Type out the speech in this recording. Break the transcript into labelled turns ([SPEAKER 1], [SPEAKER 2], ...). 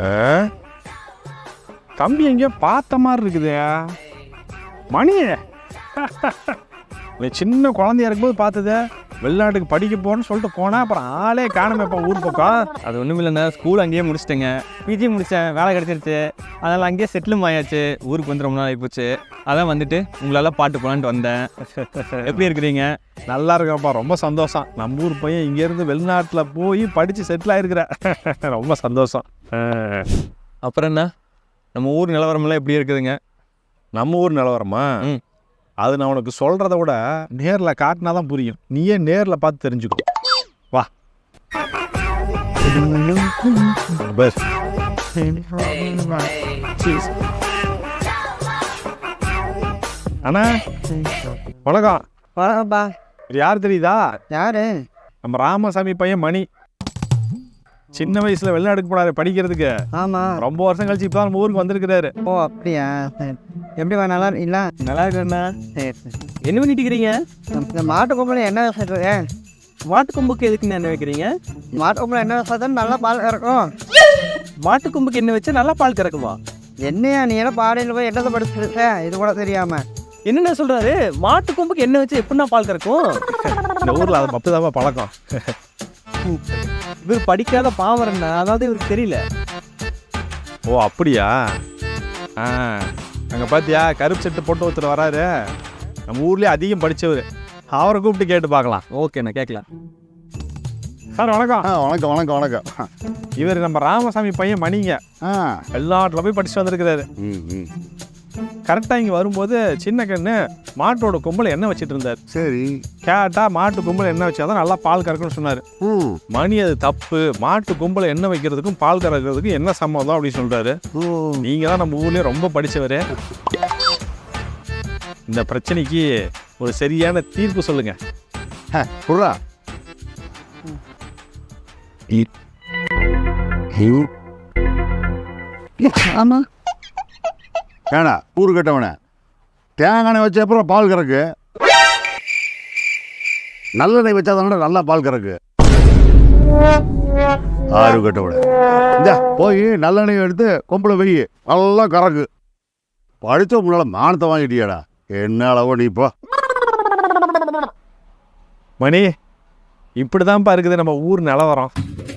[SPEAKER 1] தம்பி எங்கேயோ பார்த்த மாதிரி இருக்குது. மணி சின்ன குழந்தையா இருக்கும்போது பார்த்தது. வெளிநாட்டுக்கு படிக்க போகணும்னு சொல்லிட்டு போனால் அப்புறம் ஆளே காணுமேப்பா ஊர் பக்கம்.
[SPEAKER 2] அது ஒன்றும் இல்லைண்ணா, ஸ்கூல் அங்கேயே முடிச்சிட்டேங்க. பிஜி முடித்தேன், வேலை கிடச்சிருச்சு. அதனால் அங்கேயே செட்டிலும் ஆயாச்சு. ஊருக்கு வந்து ரொம்ப நாள் ஆகிப்போச்சு. அதான் வந்துட்டு உங்களால் பாட்டு போகலான்ட்டு வந்தேன். எப்படி இருக்கிறீங்க?
[SPEAKER 1] நல்லா இருக்கப்பா, ரொம்ப சந்தோஷம். நம்ம ஊர் பையன் இங்கேருந்து வெளிநாட்டில் போய் படித்து செட்டில் ஆகிருக்கிற. ரொம்ப சந்தோஷம்.
[SPEAKER 2] அப்புறம் என்ன, நம்ம ஊர் நிலவரமெல்லாம் எப்படி இருக்குதுங்க?
[SPEAKER 1] நம்ம ஊர் நிலவரமா? அது நான் உனக்கு சொல்கிறத விட நேரில் காட்டினா தான் புரியும். நீயே நேரில் பார்த்து தெரிஞ்சுக்கோ. வா. பஸ் அண்ணா வணக்கம்.
[SPEAKER 3] வணக்கம்ப்பா.
[SPEAKER 1] யார் தெரியுதா?
[SPEAKER 3] யாரு?
[SPEAKER 1] நம்ம ராமசாமி பையன் மணி. சின்ன வயசுல வெளிநாட்டுக்கு போனாரு படிக்கிறதுக்கு.
[SPEAKER 3] ஆமா.
[SPEAKER 1] ரொம்ப வருஷம் கழிச்சு இப்போ நம்ம ஊருக்கு வந்திருக்கிறாரு.
[SPEAKER 3] ஓ அப்படியா? சரி. எப்படிவா, நல்லா இருக்கீங்களா?
[SPEAKER 2] நல்லா இருக்கண்ணா.
[SPEAKER 3] சரி சரி.
[SPEAKER 2] என்ன பண்ணிட்டு இருக்கிறீங்க?
[SPEAKER 3] இந்த மாட்டு கொம்பளை என்ன விவசாயத்துக்கு?
[SPEAKER 2] மாட்டு கொம்புக்கு எதுக்குன்னு என்ன வைக்கிறீங்க?
[SPEAKER 3] மாட்டு கொம்பளை என்ன விவசாயத்தான் நல்லா பால் கறக்கும்.
[SPEAKER 2] மாட்டு கொம்புக்கு என்ன வச்சா நல்லா பால் கறக்குமா?
[SPEAKER 3] என்னையா நீ எல்லாம் பாடையில் போய் என்னத்தை படிச்சிருக்க? இது கூட தெரியாம
[SPEAKER 2] என்னென்ன சொல்றாரு? மாட்டு கொம்புக்கு என்ன வச்சு எப்படின்னா பால் கறக்கும்?
[SPEAKER 1] இந்த ஊர்ல அது அப்பதாப்பா பழக்கம்.
[SPEAKER 2] இவர் படிக்காத பாவரண்ணா, அதாவது இவருக்கு தெரியல.
[SPEAKER 1] ஓ அப்படியா? அங்கே பார்த்தியா கருப்பு செட்டு போட்டு ஒருத்தர் வராரு. நம்ம ஊர்லேயே அதிகம் படித்தவர். அவரை கூப்பிட்டு கேட்டு பார்க்கலாம்.
[SPEAKER 2] ஓகேண்ணா, கேட்கலாம்.
[SPEAKER 1] சார் வணக்கம்.
[SPEAKER 4] வணக்கம் வணக்கம் வணக்கம்.
[SPEAKER 1] இவர் நம்ம ராமசாமி பையன் மணிங்க. வெளிநாட்டில் போய் படிச்சுட்டு வந்திருக்கிறாரு. கரெக்டாக இங்கே வரும்போது சின்ன கண்ணு மாட்டோட கொம்பில் எண்ணெய் வச்சுட்டு இருந்தார்.
[SPEAKER 4] சரி.
[SPEAKER 1] கேட்டா மாட்டு கொம்பில் எண்ணெய் வச்சாதான் நல்லா பால் கறக்குன்னு சொன்னார். மணி அது தப்பு, மாட்டு கொம்பில் எண்ணெய் வைக்கிறதுக்கும் பால் கறக்கிறதுக்கும் என்ன சம்மதம் அப்படின்னு சொல்றாரு. நீங்க தான் நம்ம ஊர்லயே ரொம்ப படிச்சவரு. இந்த பிரச்சனைக்கு ஒரு சரியான தீர்ப்பு சொல்லுங்க.
[SPEAKER 4] புறா
[SPEAKER 3] ஆமா.
[SPEAKER 4] ஏண்ணா ஊரு கட்டவன தேங்காய் வச்ச அப்புறம் பால் கறக்கு, நல்லெண்ணெய் வச்சா தானே நல்லா பால் கறக்கு. ஆறு கட்டவன இந்த போய் நல்லெண்ணெய் எடுத்து கொம்பில் வை, நல்லா கறக்கு. படித்த முன்னால மானத்தை வாங்கிட்டியாடா. என்ன அளவோ நீ இப்போ
[SPEAKER 1] மணி இப்படிதான்ப்பா இருக்குது நம்ம ஊர் நிலவரம்.